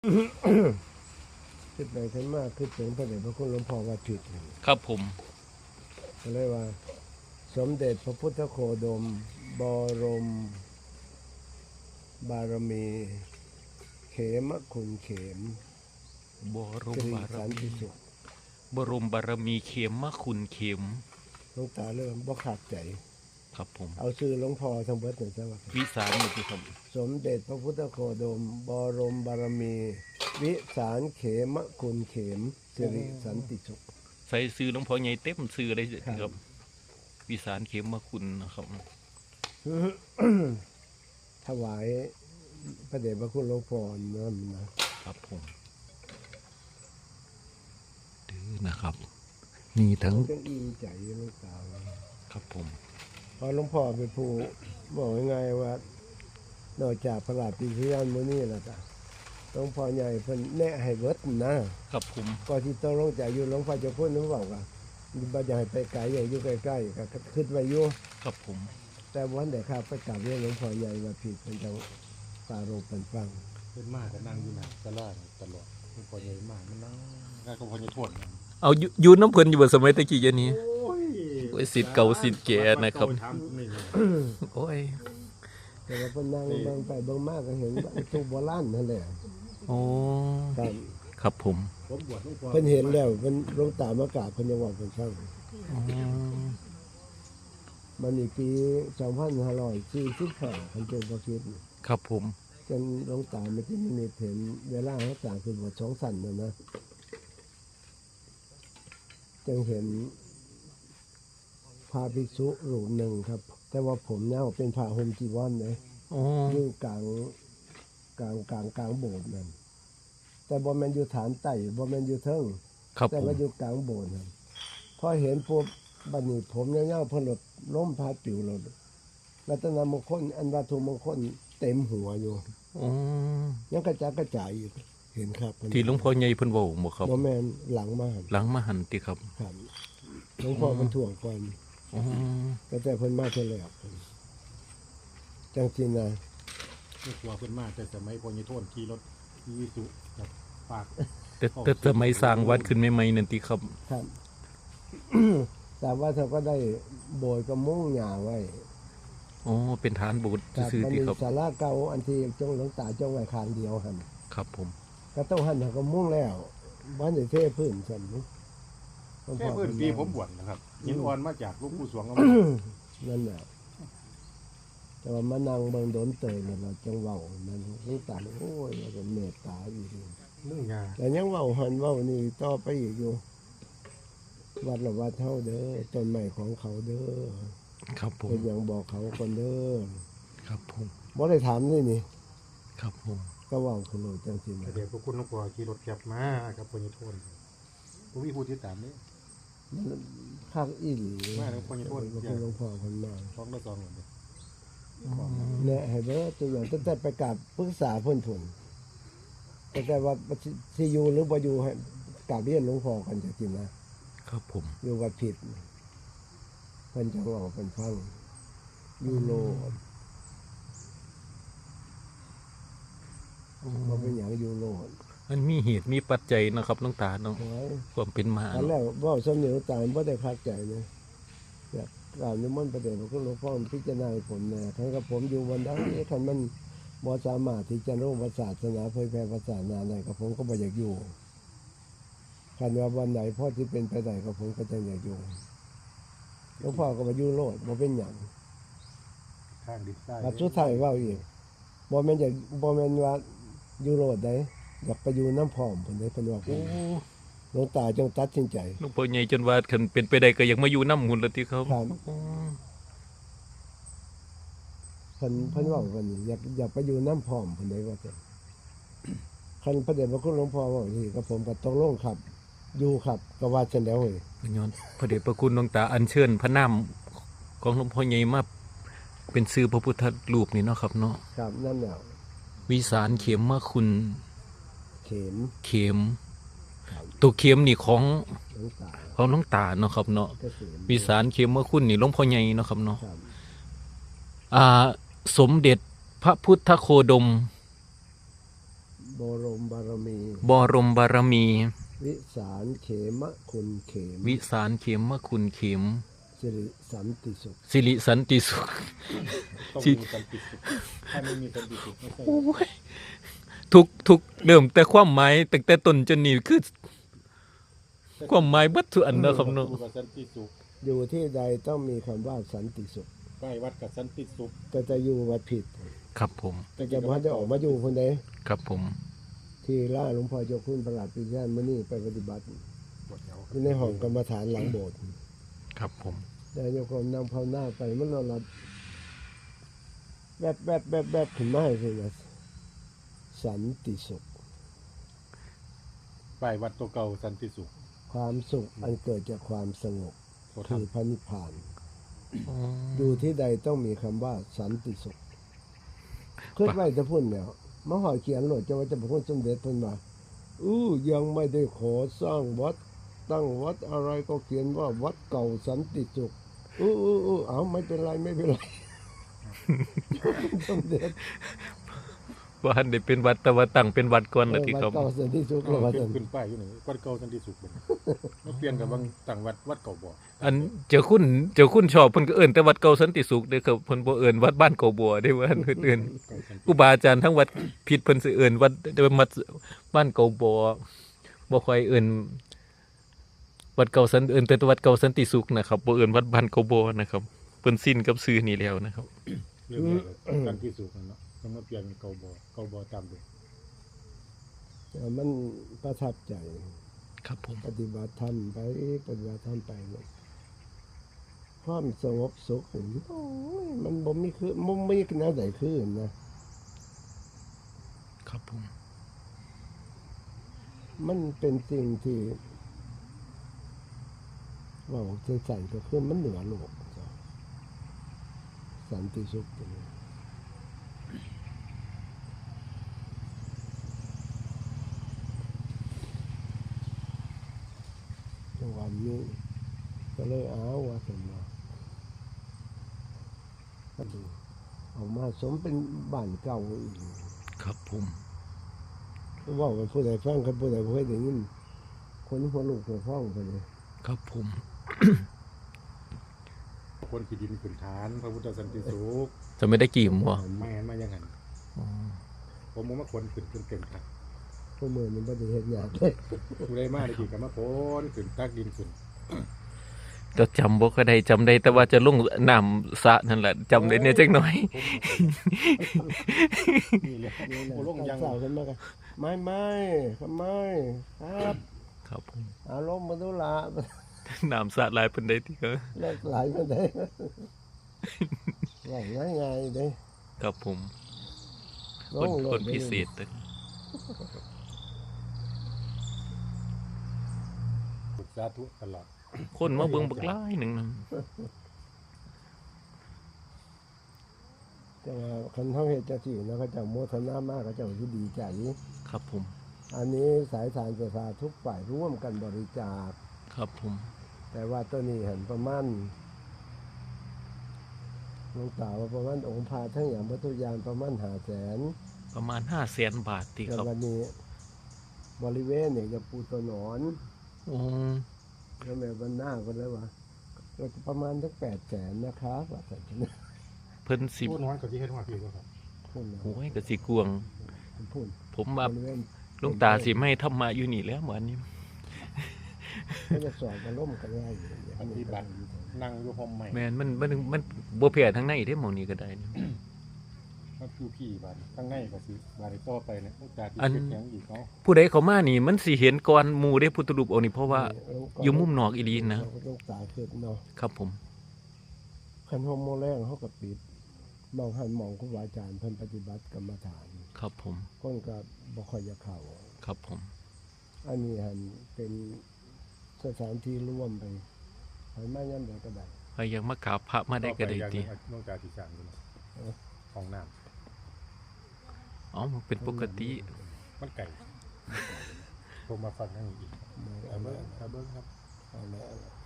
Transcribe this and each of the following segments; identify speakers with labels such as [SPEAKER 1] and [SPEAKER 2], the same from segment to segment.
[SPEAKER 1] ขึ้นไปขึ้นมากขึ้นถึงพระเดชพระคุณหลวงพ่อว่าผิด
[SPEAKER 2] ครับผม
[SPEAKER 1] ก็เลยว่า สมเด็จพระพุทธโคดมบรมบารมี เขมคุณเขม
[SPEAKER 2] บรม
[SPEAKER 1] สิริ
[SPEAKER 2] บาร
[SPEAKER 1] สันติ
[SPEAKER 2] มี
[SPEAKER 1] สุข
[SPEAKER 2] บรมบารมีเข็มมะคุณเข็ม
[SPEAKER 1] หลวงตาเริ่มบ่ขาดใจ
[SPEAKER 2] ครับผม
[SPEAKER 1] เอาชื่อหลวงพ่อทั้งเบิดหนึ่งซะว่า
[SPEAKER 2] วิสารนี่ครับ
[SPEAKER 1] สมเด็จพระพุทธโคดมบรมบารมี วิสารเขมคุณเขมสิริสันติสุข
[SPEAKER 2] ใส่ซื้อหลวงพ่อใหญ่เต็มซื้อเลย
[SPEAKER 1] ค
[SPEAKER 2] ค
[SPEAKER 1] รั
[SPEAKER 2] รับ บวิสารเข็มมะคุณนะครับ
[SPEAKER 1] ถวายพระเดชพระคุณหลวงพ่อนั่นนะครับ
[SPEAKER 2] ผมดื้อนะครับนี่ทั้ง
[SPEAKER 1] จังอิ่มใจหลวงตา
[SPEAKER 2] ครับผม
[SPEAKER 1] พอหลวงพ่อเป็นผู้บอกยังไงว่านอกจากพระราชปิยานมื้อนี้แล้วก็หลวงพ่อใหญ่เพิ่นแนะให้เบิดนะครับ
[SPEAKER 2] ผม
[SPEAKER 1] ก็ที่ต้องลงใจอยู่หลวงพ่อเจะพูดนึกบอกว่าบ่อยากให้ไปไกลอย่างอยู่ใกล้ๆก็คิดไว้อยู่
[SPEAKER 2] ครับผม
[SPEAKER 1] แต่วันเด็กครับไปกราบเรียนหลวงพ่อใหญ่ว่าผิดเป็นจังปรารภเป็นฟัง
[SPEAKER 3] เป็นมากก็นั่งอยู่หน้าตลาดตลอดมันพอใหญ่มากมันนั่งก็พอใหญ่ทวนกัน
[SPEAKER 2] เอาอยู่น้ำเพลินอยู่บนสมัยตะกี้เดี๋ยวนี้
[SPEAKER 3] โอ้ย
[SPEAKER 2] โอ้ยสิทธิ์เก่าสิทธิ์แก่นะครับ
[SPEAKER 3] ถามนี่เลย
[SPEAKER 2] โอ้ย
[SPEAKER 1] แต่ว่าเพิ่นนั่งเบิ่งไปเบิ่งมากก็เห็นว่าตู้โบราณนั่นแหละ
[SPEAKER 2] โอ้
[SPEAKER 1] ครับ
[SPEAKER 2] ครับผม
[SPEAKER 3] ผมบวชหลวงพ่อ
[SPEAKER 1] เพิ่นเห็นแล้วเพิ่นหลวงตามากราบเพิ่นยังว่าเพิ่นฟัง
[SPEAKER 2] อ๋อ
[SPEAKER 1] มันอีกปี2545เพิ่นเป็นบ่คิด
[SPEAKER 2] ครับผม
[SPEAKER 1] จนหลวงตาไม่ที่มีเห็นเวลาเขาจ่างคือบทสองสั่นนะจึงเห็นพระภิกษุรูปหนึ่งครับ แต่ว่าผมเนี่ยเป็นพระห่มจีวรเลย
[SPEAKER 2] โอ้
[SPEAKER 1] อยู่กลางโบสถ์นั่นแต่บ่แม่นอยู่ฐานไต่บ่แม่นอยู่เทิง
[SPEAKER 2] ครับ
[SPEAKER 1] แต่
[SPEAKER 2] ผม
[SPEAKER 1] ว่าอยู่กลางโบสถ์นั่นพอเห็นปุ๊บบัดนี้ผมเงี้ยวๆเพนหลดล้มพาปิวหลดรัตนมงคลอันวัตถุมงคลเต็มหัวอยู่
[SPEAKER 2] โอ้
[SPEAKER 1] ยังกระจายอยู่เห็นครับ
[SPEAKER 2] ที่หลวงพ่อใหญ่เพิ่นเว้าบ่ครับ
[SPEAKER 1] บ่แม่นหลังมาหั่น
[SPEAKER 2] หลังมาหันติครับ
[SPEAKER 1] ครับหลวงพ่อมันถ่วงก่อน
[SPEAKER 2] โอ้
[SPEAKER 1] แต่เพิ่นมาเท่าแล้วจังซี่นะ
[SPEAKER 3] หลวงพ่อเพิ่นมาแต่สมัยพอใหญ่ทวนขี่รถอีวิสุกับปาก
[SPEAKER 2] แต่สมัยสร้างวัดขึ้นใหม่ๆนั่นติครับ
[SPEAKER 1] ครับ แต่ว่าเขาก็ได้โบยกระมุ้งหญ้าไว้
[SPEAKER 2] โอ้เป็นฐานโบสถ์
[SPEAKER 1] ครับ
[SPEAKER 2] ซื่อ
[SPEAKER 1] มัน
[SPEAKER 2] ๆติ
[SPEAKER 1] มี
[SPEAKER 2] ครับ
[SPEAKER 1] ศาลาเก่าอันที่จงหลวงตาจงไว้ข้างเดียวหั่น
[SPEAKER 2] ครับผม
[SPEAKER 1] ก็ต้องหั่นก็มุ้งแล้วบ้านได้เทพื้นซั่นหลวง
[SPEAKER 3] แค่
[SPEAKER 1] พ่อ
[SPEAKER 3] เพิ่นปีผมบวชนะครับยินอ่อนมาจากหลูกปู่สวงเอา
[SPEAKER 1] นั่นแหละแต่ว่ามานั่งเบิ่งโดนเตยเนี่ยเราจังเว้านั่นหลวงตาเนี่ยโอ้ยว่าก็เมตตาอีก
[SPEAKER 3] นึ่งงา
[SPEAKER 1] แต่ยังเว้าหันเว้านี่ต่อไปอีกอยู่วัดละวัดเท่าเด้อต้นไม้ของเขาเด้อ
[SPEAKER 2] ครับผม
[SPEAKER 1] เป็นอย่างบอกเขาคนเด้อ
[SPEAKER 2] ครับผม
[SPEAKER 1] บ่ได้ถามนี่นี่
[SPEAKER 2] ครับผม
[SPEAKER 1] ก็เว้าขึ้นเลยจังซี่
[SPEAKER 3] แต่
[SPEAKER 1] นะ
[SPEAKER 3] เดี๋ยวพวกคุณหลวงพ่อขี่รถแคบมากับพอใหญ่ทวนผมมีผู้ติดตามนี่
[SPEAKER 1] ภาคอีหลี
[SPEAKER 3] มาแล้วคนจะโทษ
[SPEAKER 1] หลวงพ่อเพิ่นมา
[SPEAKER 3] ท้องละ2เลย
[SPEAKER 1] แนะให้เด้อตัวอย่างตั้งแต่ไปกราบปรึกษาเพิ่นพุ่นแต่ว่าสิอยู่หรือบ่อยู่ให้กราบเรียนหลวงพ่อกันจังซี่นะครับ
[SPEAKER 2] ผม
[SPEAKER 1] อยู่วัดผิดเพิ่นจะเว้าเพิ่นฟังยูโรบ่เป็นหยังยูโร
[SPEAKER 2] มันมีเหตุมีปัจจัยเนาะครับหลวงตาเนาะ
[SPEAKER 1] โอ้ย
[SPEAKER 2] ความเป็นมา
[SPEAKER 1] อันแร
[SPEAKER 2] เนาะ
[SPEAKER 1] กเว้าสำเนียงตายบ่ได้พักใจนะอยากกราบนิมนต์ประเดชพระคุณหลวงพ่อพิจารณาให้ผมแน่คันกับผมอยู่วันใดคันมันบ่สามารถที่จะรู้ศาสนาเผยแพร่ศาสนาได้กับผมก็บ่อยากอยู่คันว่าวันไหนพ่อที่เป็นไปได้กับผมก็จะอยากอยู่หลวงพ่อก็บ่อยู่โลดบ่เป็นหยัง
[SPEAKER 3] ข้างดินใต้
[SPEAKER 1] บัดสุดท้ายเว้าอีกบ่แม่นอยากบ่แม่นว่าอยู่โลดได้อยากไปอยู่น้ำพร้อมเพิ่นได้เพิ่นว่า
[SPEAKER 2] โอ้
[SPEAKER 1] หลวงตาจงตัดสินใจ
[SPEAKER 2] หลวงพ่อใหญ่จนว่าคันเป็นไปได้ก็อยากมาอยู่น้ำหุ่นละติครับ
[SPEAKER 1] ครับ
[SPEAKER 2] โอ้
[SPEAKER 1] เพิ่นเว่ากันนี่อยากไปอยู่น้ำพร้อมเพิ่นได้ว่าแต่คันพระเดชพระคุณหลวงพ่อว่าที่กับผมก็ต้องลงครับ อยู่ครับก็ว่าจังแล้วเว้ย
[SPEAKER 2] ย้อนพระเดชพระคุณหลวงตาอัญเชิญพระนามของหลวงพ่อใหญ่มาเป็นชื่อพระพุทธรูปนี่เนาะครับเนาะ
[SPEAKER 1] ครับนั่นแหละ
[SPEAKER 2] วิสารเข็มมะคุณ
[SPEAKER 1] เข็ม
[SPEAKER 2] เข็มตัวเข็มนี่ของ
[SPEAKER 1] หลวงตา
[SPEAKER 2] หลวงตาเนาะครับเนาะ
[SPEAKER 1] เกษม
[SPEAKER 2] วิสารเข็มมะคุณนี่หลวงพ่อใหญ่เนาะครับเนาะ
[SPEAKER 1] ครับ
[SPEAKER 2] สมเด็จพระพุทธโคดม
[SPEAKER 1] บบรมบารมี
[SPEAKER 2] บรมบารมี
[SPEAKER 1] วิสารเขมะคุณเขม
[SPEAKER 2] วิสารเข็มมคุณเข็ม
[SPEAKER 1] สิริสันติสุข
[SPEAKER 2] สิริสันติสุข
[SPEAKER 3] ต้องมีสันติสุขถ้าไม่มีสันติสุขไม่ใช่
[SPEAKER 2] โอ้ยทุกเริ่มแต่ความหมายตั้งแต่ต้นจนนี่คือความหมายเบัดทุกอันเนาะครับเนาะ
[SPEAKER 3] อยู่กับสันติสุข
[SPEAKER 1] อยู่ที่ใดต้องมีคำว่าสันติสุข
[SPEAKER 3] ไหว้วัดกับสันติสุข
[SPEAKER 1] แต่จะอยู่วัดผิด
[SPEAKER 2] ครับผม
[SPEAKER 1] แต่จะพัดจะออกมาอยู่คนใด
[SPEAKER 2] ครับผม
[SPEAKER 1] ที่ล่าหลวงพ่อเจ้าคุณประหลัดปิญาณมื้อนี้ไปปฏิบัติ
[SPEAKER 3] ปวดเอว
[SPEAKER 1] อยู่ในห้องกรรมฐานหลังโบสถ์
[SPEAKER 2] ครับผม
[SPEAKER 1] แต่โยมนำภาวนาไปมันนอนหลับแบบขึ้นมาให้คือนะสันติสุข
[SPEAKER 3] ไหว้วัดตัวเก่าสันติสุข
[SPEAKER 1] ความสุขอันเกิดจากความสงบ
[SPEAKER 3] โทษ
[SPEAKER 1] คือ
[SPEAKER 3] ทำ
[SPEAKER 1] พระนิพพาน
[SPEAKER 2] อ๋อ
[SPEAKER 1] อยู่ที่ใดต้องมีคำว่าสันติสุขขึ้นไว้จะพูดแล้วมหาเขียนโหลดจะว่าจะพูดสมเด็จเพิ่นว่ายังไม่ได้ขอสร้างวัดตั้งวัดอะไรก็เขียนว่าวัดเก่าสันติสุขเอาไม่เป็นไรไม่เป็นไร สมเด็จ
[SPEAKER 2] ว่าอันได้เป็นวัดแต่ว่าตั้งเป็นวัดก่อน
[SPEAKER 1] วั
[SPEAKER 2] แล้ว
[SPEAKER 1] ด
[SPEAKER 2] ที่ครับ
[SPEAKER 1] เก่าสันติสุขแล้วว่าซั่น
[SPEAKER 3] ขึ้นป้ายอยู่ไหนวัดเก่าสันติสุขเป็นมาเปลี่ยนกับบางต่างวัดเก่าบ่
[SPEAKER 2] อันเจ้าคุณชอบเพิ่นก็เอิ้นแต่วัดเก่าสันติสุขเด้อครับเพิ่นบ่เอิ้นวัดบ้านเก่าบัวเด้อว่าอันเพิ่นเอิ้น
[SPEAKER 3] เก่าสันติ
[SPEAKER 2] ครูบาอาจารย์ทั้งวัดผิดเพิ่นสิเอิ้นวัดวัดบ้านเก่าบัวบ่ค่อยเอิ้นวัดเก่าสันเอิ้นแต่วัดเก่าสันติสุขนะครับบ่เอิ้นวัดบ้านเก่าบัวนะครับเพิ่นสิ้นกับชื่อนี้แล้วนะครับ
[SPEAKER 3] เรื่องใหญ่เลยสันติสุขนั่นเนาะต้องมาเปลี่ยนเป็นเก่าบ่ตามเดิม
[SPEAKER 1] มันประทับใจ
[SPEAKER 2] ครับผม
[SPEAKER 1] ปฏิบัติธรรมไปปฏิบัติธรรมไปเนี่ยความสงบสุขนี่โอ้ยมันบ่มีคือบ่มีแนวใดคือนะครับ
[SPEAKER 2] ผม
[SPEAKER 1] มันเป็นสิ่งที่ว่าใจก็คือมันเหนือโลกจ้ะสันติสุขตัวนี้จังหวะนี้ก็เลยว่าสมว่าก็ดูออกมาสมเป็นบ้านเก่าอีก
[SPEAKER 2] ครับผม
[SPEAKER 1] ว่ากันผู้ใดฟังกันผู้ใดบ่เคยได้ยินคนหัวลูกหัวฟ้องไปเลย
[SPEAKER 2] ครับผม
[SPEAKER 3] คนที่ดินขึ้นฐานพระพุทธสันติสุข
[SPEAKER 2] จะไม่ได้กี่หมว
[SPEAKER 3] แม่นมาอย่างนั้น
[SPEAKER 2] อ๋อ
[SPEAKER 3] ผมมองว่าคนขึ้นจนเก่งครับ
[SPEAKER 1] ผู้มือมันบ่ได้เฮ็ดหยังเลย
[SPEAKER 3] ผู้ได้มาได้กี่กับมาพ้นขึ้นตักดินขึ้น
[SPEAKER 2] จะจำบ่ก็ได้จำได้แต่ว่าจะลงน้ำสระนั่นแหละจำได้เนี่ยจักหน่อย
[SPEAKER 3] นี่เลย
[SPEAKER 1] นี่แหละ
[SPEAKER 3] โอ้ลงยัง
[SPEAKER 1] เศร้าขึ้นมาก็ไม่ทำไมครับ
[SPEAKER 2] ครับผม
[SPEAKER 1] อารมณ์บ่ดูละ
[SPEAKER 2] น้ำสระหลายเพิ่นได้ที่ก็
[SPEAKER 1] เลิกหลายก็ได้ว่าง่ายๆเด้
[SPEAKER 2] ครับผม
[SPEAKER 1] ล
[SPEAKER 2] คน
[SPEAKER 1] งโล
[SPEAKER 2] ค
[SPEAKER 1] ด
[SPEAKER 2] น
[SPEAKER 1] ไป
[SPEAKER 2] พิ
[SPEAKER 1] เลย
[SPEAKER 2] เศษเลย
[SPEAKER 3] ฝึกสาธุตลอด
[SPEAKER 2] คนมาเบิ่งบักหลายหนึงนะ
[SPEAKER 1] แต่ว่าคันเฮาเฮ็ดจังซี่นะเขาเจ้าโมทนามากเขาเจ้าสิดีใจ
[SPEAKER 2] ครับผม
[SPEAKER 1] อันนี้สายทานประชาทุกฝ่ายร่วมกันบริจาค
[SPEAKER 2] ครับผม
[SPEAKER 1] แต่ว่าตัวนี้เห็นประมาณหลวงตาว่าประมาณองค์พาทั้งอย่างวัตถุยานประมาณ500,000
[SPEAKER 2] ประมาณ500,000 บาทที่
[SPEAKER 1] แต่
[SPEAKER 2] ครับ
[SPEAKER 1] วันนี้บริเวณเนี่ยจะปูตัวหนอน
[SPEAKER 2] โอ้
[SPEAKER 1] แล้วแม่บรรณาก็เลยว่าก็ประมาณสัก800,000นะครับว่าแต่ที่นี่
[SPEAKER 2] เพิ่นสิ
[SPEAKER 3] พูดน้อยกว่าที่เฮ็ดว่าพี่ก็ครับ
[SPEAKER 1] พูดนะ
[SPEAKER 2] โอ้ยก็สิกวง
[SPEAKER 1] พูด
[SPEAKER 2] ผมว่า
[SPEAKER 1] บริเวณ
[SPEAKER 2] หลวงตาสิไม่ธรรมะอยู่นี่แล้วเหมือนนี้
[SPEAKER 1] ก็จะสอบกันล่มกันง่ายอยู่อย่าง
[SPEAKER 3] ป
[SPEAKER 1] นี้
[SPEAKER 3] ฏิบัตินั่งอยู่ห้องใหม่
[SPEAKER 2] แม่นมันบ่แพ้ทั้งในเด้หม่องนี้ก็ได้นี่
[SPEAKER 3] มาคือพี่บาดข้างในก็สิบาดต่อไปเนี่ยจากที่
[SPEAKER 2] อัน
[SPEAKER 3] เฮ็ดหยังอีกเนาะ
[SPEAKER 2] ผู้ใดเข้ามานี่มันสิเห็นก่อนหมู่เด้พุทธรูปองค์นี้เพราะว่าอยู่มุมนอกอีหลีนะ
[SPEAKER 1] ลูกตาขึ้นเนาะ
[SPEAKER 2] ครับผม
[SPEAKER 1] คันโฮโมแรงเขาก็ปิดมองหันมองครูบาอาจารย์เพิ่นปฏิบัติกรรมฐาน
[SPEAKER 2] ครับผม
[SPEAKER 1] คนก็บ่ค่อยจะเข้า
[SPEAKER 2] ครับผม
[SPEAKER 1] อันนี้หันเป็นสถานที่ร่วมไปไปมายามใดก็ได้
[SPEAKER 2] ใครอยากมากราบพระมาได้ก็ได้
[SPEAKER 3] ต่อป
[SPEAKER 2] ติ
[SPEAKER 3] อย่างน้องตาที่สร้างอยู่เนาะห้องน้ำ
[SPEAKER 2] อ๋อมันเป็นปกติ
[SPEAKER 3] มันไก่ผมมาฟังทั้งนี้อีก
[SPEAKER 1] เอา
[SPEAKER 3] เบิ้
[SPEAKER 1] ละ
[SPEAKER 3] งครับ
[SPEAKER 1] เอาละ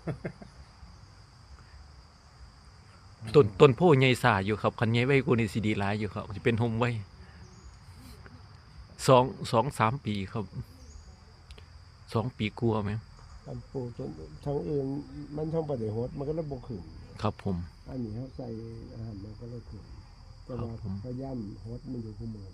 [SPEAKER 2] ต้นโพใหญ่สาอยู่ครับคันใหญ่ไว้กูนี่สิดีหลายอยู่ครับสิเป็นโฮมไว้ 2-3 ปีครับ2 ปีกลัวาไหม
[SPEAKER 1] การปลูกต้นทางอื่นมันท้องบ่ได้ฮดมันก็เลยบ่ขึ้น
[SPEAKER 2] ครับผม
[SPEAKER 1] อันนี้เขาใส่อาหารมันก็เลยขึ้นแต่ว่า
[SPEAKER 2] ครับผม
[SPEAKER 1] พยายามฮดมันอยู่คู่มือ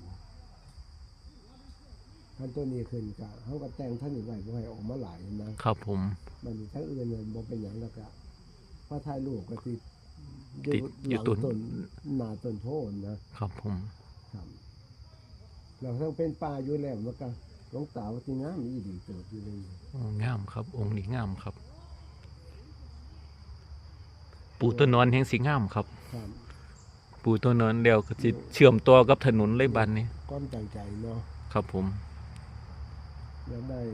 [SPEAKER 1] ท่านตัวนี้ขึ้นก็เขาก็แต่งท่านอีกไว้บ่ให้ออกมาหลายนะครับ
[SPEAKER 2] ผม
[SPEAKER 1] มันมีทั้งอื่นเนี่ยบ่เป็นหยังแล้วก็พอถ่ายรูปก็ติด
[SPEAKER 2] ติดอยู่
[SPEAKER 1] หลัง
[SPEAKER 2] ต้น
[SPEAKER 1] ต้นหน้าต้นโพนนะครับ
[SPEAKER 2] ผม
[SPEAKER 1] ครับเราทั้งเป็นป่าอยู่แล้วมันก็หลวงตาว่าที่งามอีดีเติบอยู่เลย
[SPEAKER 2] โอ้งามครับ องค์นี้งามครับ ปู่ต้นนอนแห่งสีงามครับ
[SPEAKER 1] ครับ
[SPEAKER 2] ปู่ต้นนอนเดียวก็สิเชื่อมต่อกับถนนเลยบัดนี้
[SPEAKER 1] ความตั้งใจเนาะ
[SPEAKER 2] ครับผม
[SPEAKER 1] อยากได้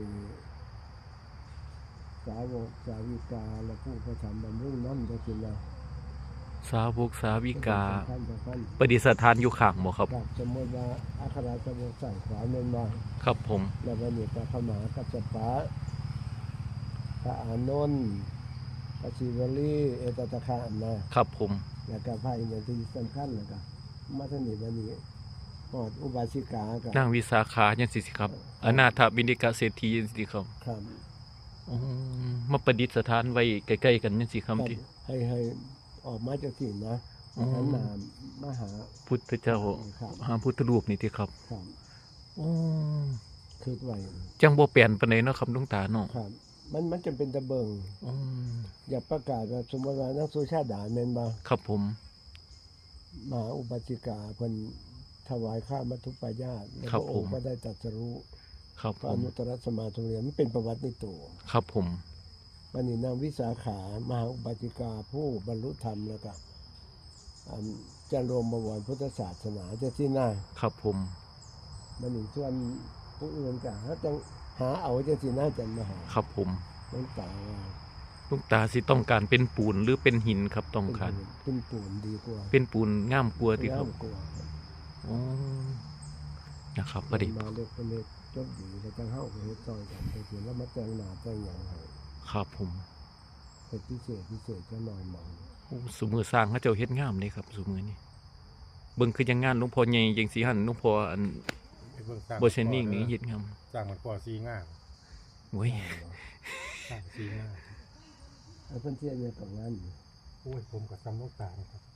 [SPEAKER 1] สาวกสาวิกาและผู้ประทำบำรุงน้ำจะกินนะ
[SPEAKER 2] สาวกสาวิกา
[SPEAKER 1] สำคัญ
[SPEAKER 2] ประดิษฐานอยู่ข้างบ่ครับ
[SPEAKER 1] ครับสมมติว่าอัคราสมุทรใส่ขวาเมนมา
[SPEAKER 2] ครับผม
[SPEAKER 1] แล้ววันนี้พระขมากัจจปะพระอานนท์พระศิวลีเอตตะคะนะครับ
[SPEAKER 2] ผม
[SPEAKER 1] แล้วก็พระอินทร์ที่สำคัญแล้วก็มาทางนี้วันนี้หอดอุบาสิกากับ
[SPEAKER 2] นางวิสาขาจังซี่สิครับอนาถบิณฑิกะเศรษฐีจังซี่ครับ
[SPEAKER 1] ครับ
[SPEAKER 2] อ๋อมาประดิษฐานไว้ใกล้ๆกันจังซี่ครับที่
[SPEAKER 1] ให้ออกมาจากที่นะ
[SPEAKER 2] อ๋อ
[SPEAKER 1] หันหนามมหา
[SPEAKER 2] พุทธเจ้า
[SPEAKER 1] ครับ
[SPEAKER 2] พระพุทธรูปนี่ที่ครับ
[SPEAKER 1] ครับ
[SPEAKER 2] อ๋อ
[SPEAKER 1] คิดไว้
[SPEAKER 2] จังบ่เปลี่ยนปานใดเนาะครับหลวงตาเนาะ
[SPEAKER 1] ครับ มันจะเป็นตะเบิง
[SPEAKER 2] อ๋อ
[SPEAKER 1] อย่าประกาศว่าสมมติว่านักสุชาติด่าแม่นบ่
[SPEAKER 2] ครับผม
[SPEAKER 1] มหาอุบาสิกาเพิ่นถวายข้ามัทุปายาตแล้ว
[SPEAKER 2] ครับ
[SPEAKER 1] พระ
[SPEAKER 2] ผ
[SPEAKER 1] อง
[SPEAKER 2] ม
[SPEAKER 1] ค์ก็ได้ตรัสรู้
[SPEAKER 2] ครับ
[SPEAKER 1] พระ
[SPEAKER 2] ผ
[SPEAKER 1] อ
[SPEAKER 2] ม
[SPEAKER 1] นุตตรสมาธิเรียนมันเป็นประวัติในตัว
[SPEAKER 2] ครับผม
[SPEAKER 1] วันนี้นางวิสาขามหาอุบาสิกาผู้บรรลุธรรมแล้วก็อันจะรวมบวรพุทธศาสนาจะที่หน้า
[SPEAKER 2] ครับผม
[SPEAKER 1] มันอีกส่วนผู้อื่นก็หาจังหาเอาจะที่หน้าจันมาหา
[SPEAKER 2] ครับผม
[SPEAKER 1] หลวงตาว่า
[SPEAKER 2] หลวงตาสิต้องการเป็นปูนหรือเป็นหินครับต้องการ
[SPEAKER 1] เป็นปูนดีกว่า
[SPEAKER 2] เป็นปูนงามกลัวาที่ครับ
[SPEAKER 1] งามกว่า
[SPEAKER 2] อ๋อนะครับประดิษฐ์
[SPEAKER 1] มาเล็กเป็นเล็กจบดีแล้วจังเฮาก็เฮ็ดซอยกันไปเห็นแล้วมาแต่งหน้าแต่งหยังให้
[SPEAKER 2] ครับผม
[SPEAKER 1] เฮ็ดพิเศษจะหน่อยหมอง
[SPEAKER 2] โอ้สุมือสร้างเขาเจ้าเฮ็ดงามเลยครับสุมือนี่เบิ่งคือยังงานหลวงพ่อใหญ่จังสิหั่นหลวงพ่ออัน
[SPEAKER 3] ไปเบิ่งสร้าง
[SPEAKER 2] บ่เชนนิ่งนี่เฮ็ดงาม
[SPEAKER 3] สร้างมันก่อซีง่าม
[SPEAKER 2] โอ้ย
[SPEAKER 3] สร้างซีง่าม
[SPEAKER 1] ไอ้เพิ่นเสียเนี่ยกับงานอยู่
[SPEAKER 3] โอ้ยผมกับซ้ำลูกตานะครับ